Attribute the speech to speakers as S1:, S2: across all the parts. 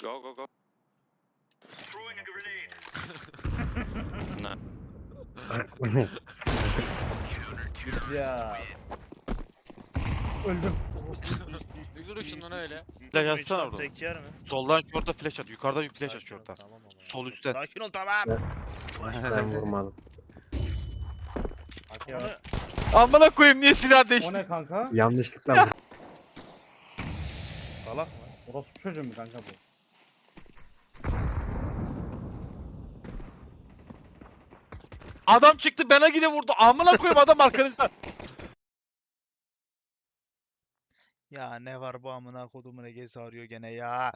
S1: Go, go, go. No.
S2: Ya. Öldüm.
S3: Ne duruşun lan öyle?
S4: Flash atsana oradan.
S5: Tek yer mi?
S4: Soldan short'a flash at. Yukarıdan bir flash at
S5: Sakin ol,
S4: short'a.
S5: tamam ama.
S4: Sol üstten.
S5: Sakin ol tamam.
S6: Ben vurmadım.
S5: Onu
S4: Amına koyayım niye silah
S2: O
S4: değişti?
S2: ne kanka?
S6: Yanlışlıkla vurdum.
S5: salak mı?
S2: Orospu çocuğu mu kanka bu?
S4: Adam çıktı bana gide vurdu. Amına koyayım adam arkanızda.
S5: Ya ne var bu amına kodumun Ege'si arıyor gene ya.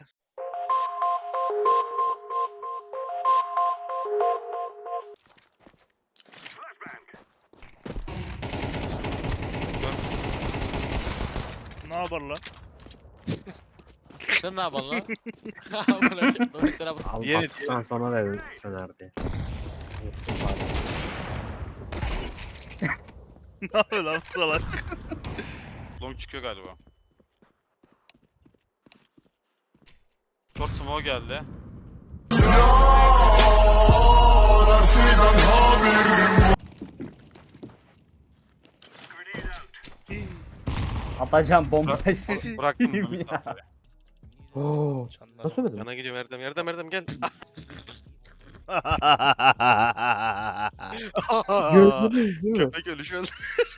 S5: Ne yapar lan?
S3: Sen ne yapalım lan? Amına koyayım, Dominik'lere bak.
S6: Al
S4: Yeni-
S6: baktıktan sonra dedim söner diye. Unuttum bari.
S5: Ne yapıyor lan bu salak?
S4: Long çıkıyor galiba. Short smoke geldi.
S2: Atacağım bomba.
S4: Bıraktım
S2: ya.
S4: bunu.
S6: Oo.
S5: Çanlar.
S6: Nasıl söyledim?
S1: Yana gidiyorum Erdem gel.
S6: Gördünüz değil mi?
S1: Köpek ölüşü öldü.